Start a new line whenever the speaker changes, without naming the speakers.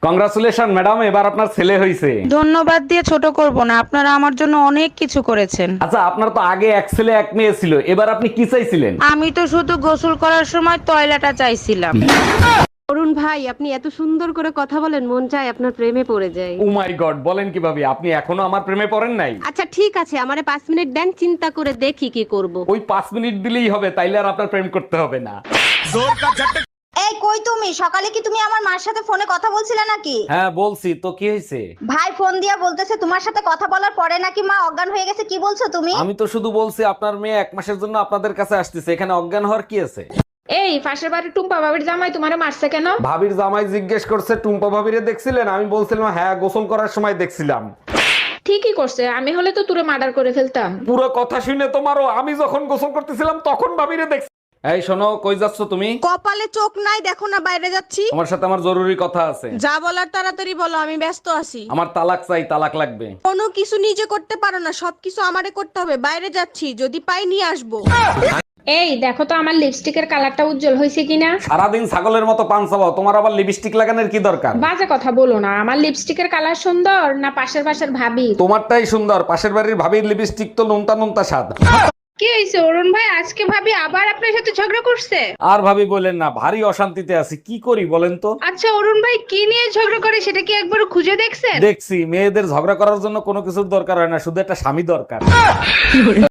Congratulation madam, এবার আপনার ছেলে হইছে।
ধন্যবাদ দিয়ে ছোট করব না, আপনারা আমার জন্য অনেক কিছু করেছেন।
আচ্ছা, আপনার তো আগে এক ছেলে এক মেয়ে ছিল, এবার আপনি কি চাইছিলেন?
আমি তো শুধু গোসল করার সময় টয়লেটটা চাইছিলাম।
অরুণ ভাই, আপনি এত সুন্দর করে কথা বলেন, মন চায় আপনার প্রেমে পড়ে যায়।
ও মাই গড, বলেন কিভাবে? আপনি এখনো আমার প্রেমে পড়েন নাই?
আচ্ছা ঠিক আছে, আমারে 5 মিনিট দেন, চিন্তা করে দেখি কি করব।
ওই 5 মিনিট দিলেই হবে, তাইলে আর আপনার প্রেম করতে হবে না।
এই কই তুমি? সকালে কি তুমি আমার মার সাথে ফোনে কথা বলছিলে নাকি?
হ্যাঁ বলছি তো, কি হয়েছে?
ভাই ফোন দিয়া বলতেছে তোমার সাথে কথা বলার পরে নাকি মা অজ্ঞান হয়ে গেছে। কি বলছো তুমি?
আমি তো শুধু বলছি আপনার মেয়ে 1 মাসের জন্য আপনাদের কাছে আসতেছে, এখানে অজ্ঞান হওয়ার কি আছে?
এই পাশের বাড়ির টুম্পা বাবির জামাই তোমারে মারছে কেন?
ভাবির জামাই জিজ্ঞেস করছে টুম্পা ভাবিরে দেখছিলেন? আমি বলছিলাম হ্যাঁ, গোসল করার সময় দেখছিলাম।
ঠিকই করছে, আমি হলে তো তুরে মার্ডার করে ফেলতাম।
পুরো কথা শুনে তোমারও, আমি যখন গোসল করতেছিলাম তখন ভাবিরে দেখছি। এই শোনো, কই যাচ্ছ তুমি?
কপালে চোখ নাই দেখো না, বাইরে যাচ্ছি।
তোমার সাথে আমার জরুরি কথা আছে।
যা বলার তাড়াতাড়ি বলো, আমি ব্যস্ত আছি।
আমার তালাক চাই, তালাক লাগবে।
কোনো কিছু নিজে করতে পারো না, সবকিছু আমারে করতে হবে। বাইরে যাচ্ছি, যদি পাই নিয়ে আসবো।
এই দেখো তো আমার লিপস্টিকের কালারটা উজ্জ্বল হয়েছে কিনা।
সারাদিন ছাগলের মতো পান চাবাও, তোমার আবার লিপস্টিক লাগানোর কি দরকার?
বাজে কথা বলো না, আমার লিপস্টিকের কালার সুন্দর না পাশের বাসার ভাবি?
তোমারটাই সুন্দর, পাশের বাড়ির ভাবির লিপস্টিক তো নুনতা নুনতা স্বাদ।
কি হয়েছে অরুণ ভাই, আজকে ভাবি আবার আপনার সাথে ঝগড়া করছে?
আর ভাবি বলেন না, ভারী অশান্তিতে আছি, কি করি বলেন তো?
আচ্ছা অরুণ ভাই, কি নিয়ে ঝগড়া করে সেটা কি একবার খুঁজে দেখছেন?
দেখছি মেয়েদের ঝগড়া করার জন্য কোনো কিছুর দরকার হয় না, শুধু একটা স্বামী দরকার।